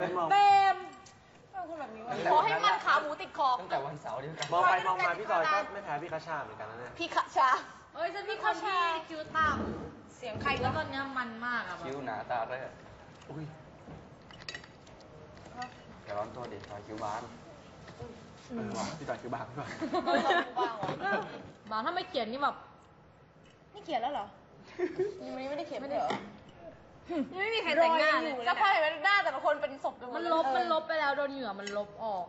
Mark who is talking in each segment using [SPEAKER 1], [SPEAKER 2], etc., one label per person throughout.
[SPEAKER 1] เบมเป็นคนแบบนี้วะขอให้มันขาหมูติดคอ
[SPEAKER 2] ตั้งแต่วันเสาร์ที่
[SPEAKER 3] มองไปมองมาพี่จอยก็ไม่แพ้พี่คาชาเหมือนกันนะเนี่ย
[SPEAKER 1] พี่คาชาเอ้ยฉันพี่คาชาคิวต่ำเสียงใครแล้วตอนนี้มันมากอะ
[SPEAKER 2] คิ้วหนาตาเลยอุ้ยอย่าร้อนตัวดิจอยคิ้วบาง
[SPEAKER 3] พี่จอยคิวบางป่ะ
[SPEAKER 1] บางถ้าไม่เขียนนี่แบบนี่เขียนแล้วเหรอยังไม่ได้เขียนไม่ได้เหรอยังไม่มีใครแต่งหน้าเลยจะพอเห็นหน้าแต่ละคนเป็นศพมันลบไปแล้วโดนเหงื่อมันลบออก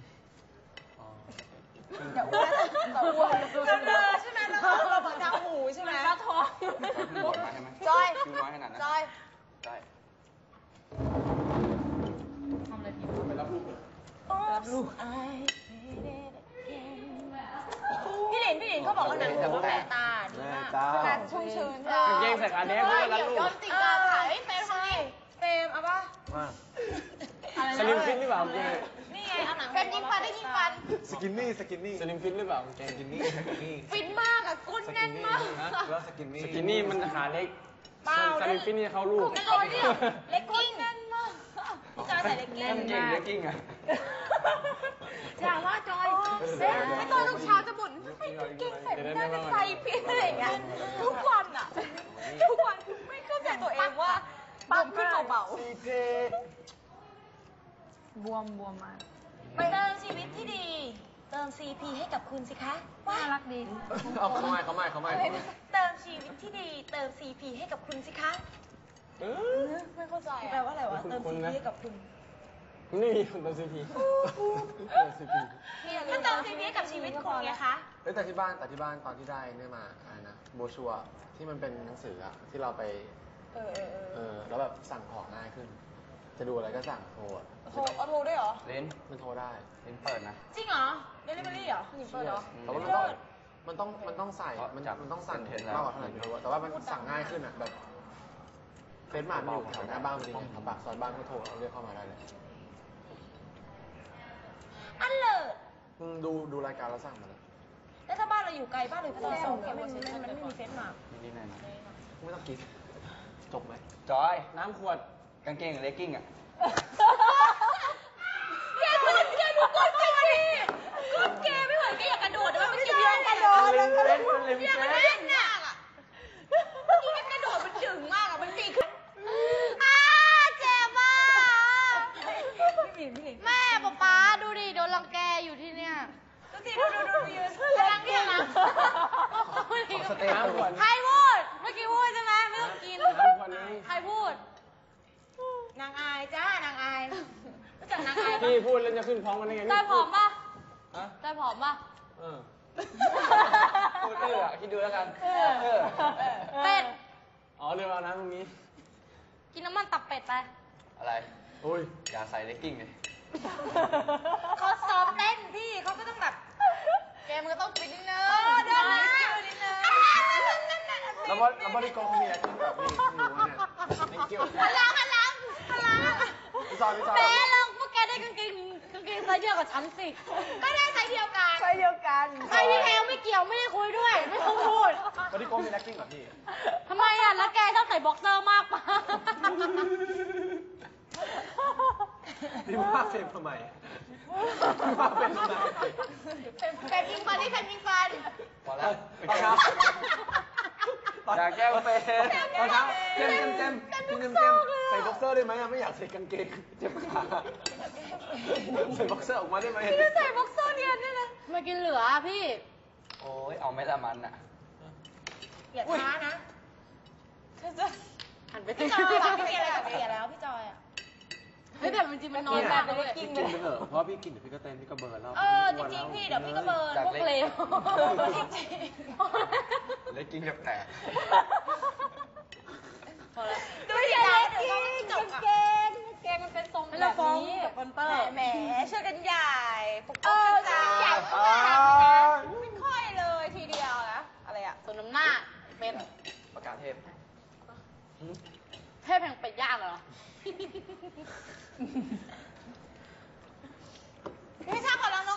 [SPEAKER 1] อย่าอ้วนอย่าอ้วนใช่ไหมเราบอกทางหูใช่ไหมกระท้อง
[SPEAKER 2] บดมาใช่ไหม
[SPEAKER 1] จอย
[SPEAKER 2] คิ้วน้อยขนาดนั้น
[SPEAKER 1] จอยทำอะไรผิด
[SPEAKER 3] ไปรับลูกเลย
[SPEAKER 1] รับลูกพี่หลินเขาบอกว่าหนังหูแม่ตาดีมากการชุ่มชื้น
[SPEAKER 3] เก่งใส่การเด็กด้วยรับลูก
[SPEAKER 1] ย้อนติดตาถ่ายเฟรมทำนี่เฟรมเอาป่ะ
[SPEAKER 3] สลิมฟิตหรือเปล่าเก่ง
[SPEAKER 1] นี่ไงเอาหนังเฟรมยิงฟันได้ยิงฟัน
[SPEAKER 3] สกินนี่สลิมฟิตหรือเปล่าเก่งสกินนี่
[SPEAKER 1] ฟิตมากอะก้นแน่นมาก
[SPEAKER 3] แล้วสกินนี่มันขาเล็กสลิมฟิตนี่เขาลูก
[SPEAKER 1] เล็กกิ้งแน่นมากพี่จอยใส่เล็กกิ้ง
[SPEAKER 2] เก่งเล็กกิ้งอะ
[SPEAKER 1] อย่าว่าจอยไม่ตอนลูกเช้าจะบ่นไม่เก่งใส่ไม่ได้จะใส่พี่อะไรอย่างเงี้ยทุกวันอะทุกวันไม่เข้าใจตัวเองว่าปั๊มขึ้นเบาๆบวมมาไปเติมชีวิตที่ดีเติม CP ให้กับคุณสิคะน่ารักดี
[SPEAKER 3] เอาเขาไม่
[SPEAKER 1] เติมชีวิตที่ดีเติม CP ให้กับคุณสิคะไม่เข้าใจแปลว่าอะไรวะเติม CP ให้กับคุณ
[SPEAKER 3] นี่มีคนเติม CP
[SPEAKER 1] มันเติม CP ให้กับชีวิตคุณไงคะ
[SPEAKER 3] แต่ที่บ้านตอนที่ได้เนี่ยมาอะไรนะโบชัวที่มันเป็นหนังสืออะที่เราไปแล้วแบบสั่งของง่ายขึ้นจะดูอะไรก็สั่งโทร
[SPEAKER 1] ด้วยเหรอ
[SPEAKER 2] เลน
[SPEAKER 3] มันโทรได้
[SPEAKER 2] เลนเปิดนะ
[SPEAKER 1] จริงเหรอเดลิเวอรี่เหรอเปิดเหรอ
[SPEAKER 3] แต่ว่ามันต้องใส่มันต้องสั่งมากกว่าเท่าไหร่ไม่รู้แต่ว่ามันสั่งง่ายขึ้นอ่ะแบบเฟซมาร์ทมันอยู่แถวหน้าบ้านจริงๆแถวปากซอยบ้านก็โทรเรียกเข้ามาได้เลย
[SPEAKER 1] อันเลย
[SPEAKER 3] ดูรายการแล้วสั่งมาเลย
[SPEAKER 1] แล้วถ้าบ้านเราอยู่ไกลบ้านเราอยู่ส่งเนี่ยมันไม่มีเฟซมาร์ท
[SPEAKER 2] นี่ไหนนะ
[SPEAKER 3] ไม่ต้องกินจบไหม
[SPEAKER 2] จอย
[SPEAKER 3] น้ำขวด
[SPEAKER 2] กางเกงกับเลกกิ้งอะ
[SPEAKER 1] แกดูก้นแกดิก้นแกไม่เหมือนแกอยากกระโดดแต่ว่าไม่ใช่กระโดดอยากกระเล่นน่ะเมื่อกี้กระโดดมันดึงมากอะมันปีกขึ้นเจ็บมากแม่ป๊าดูดิโดนรังแกอยู่ที่เนี่ยดูยืนกำลังเนี่ยนะใครพูดเมื่อกี้พูดใช่ไหมไม่ต้องกินใครพูดนางอายจ้านางอายรู้จักนางอาย
[SPEAKER 3] พี่พูดแล้วจะขึ้นพร้อมกันได้ไง
[SPEAKER 1] ใจผอมป่ะใจผอมป่ะ
[SPEAKER 2] พูดคิดดูแล้วกัน
[SPEAKER 1] เป็ด
[SPEAKER 3] อ๋อเรื่องเอาน้ำตรงนี้
[SPEAKER 1] กินน้ำมันตับเป็ดไป
[SPEAKER 2] อะไรอย่าใส่เลกกิ้งเลย
[SPEAKER 1] เขาซ้อมเต้นพี่เขาก็ต้องแบบแกมันก็ต้องปิดนิดนึงเดินนะนิดนึง
[SPEAKER 3] แล้วบริกรมีอะไรที่แบบนี้หนูเนี่ยไม่เกี่ยว
[SPEAKER 1] พลัง
[SPEAKER 3] พี่จอย
[SPEAKER 1] แม่ลองพวกแกได้กางเกงไซส์เดียวกับฉันสิก็ได้ไซส์เดียวกันไซส์ที่แพงไม่เกี่ยวไม่ได้คุยด้วยไม่ต้องพูด
[SPEAKER 3] บริกรมีนักกิ้งเหรอพี่
[SPEAKER 1] ทำไมอ่ะแล้วแกชอบใส่บ็อกเซอร์มากปะ
[SPEAKER 3] นี่ว่าเฟรมทำไมว่าเป็นทำไม
[SPEAKER 1] เฟรมยิงฟันนี่เฟรมยิงฟัน
[SPEAKER 2] พอแล้วอยากแก้วเฟรม
[SPEAKER 3] ตอนเช้าเต็มใส่บ็อกเซอร์ได้ไหมไม่อยากใส่กางเกงเจ็บขาใส่บ็อกเซอร์ออกมาได้ไหม
[SPEAKER 1] ใส่บ็อกเซอร์เนี่ยนี่นะมากินเหลือพี่
[SPEAKER 2] โอ้ยเอาไม่ละมันอ่ะ
[SPEAKER 1] อย่าช้านะหันไปพี่จอยพี่มีอะไรกับเบียร์แล้วพี่จอยอ่ะไม่แต่จริงมันนอนแบบไม่กินเลย
[SPEAKER 3] เพราะพี่กินเดี๋ยวพี่ก็เต้นพี่ก็เบิร์นแล้ว
[SPEAKER 1] จริงๆพี่เดี๋ยวพี่ก็เบิร์นพวกเลว
[SPEAKER 2] เลกกิ้งแบบแตก
[SPEAKER 1] ดูดิเล็กกิ้งเกงมันเป็นทรงแบบนี้กับคอนเตอร์แหมช่วยกันใหญ่ปกป้องกันใหญ่มากไม่ค่อยเลยทีเดียวนะอะไรอ่ะส่วนน้ำหน้าเป็น
[SPEAKER 2] ประกาศเทพ
[SPEAKER 1] แห่งเป็ดย่างเหรอพี่ชอบขอรองเท้า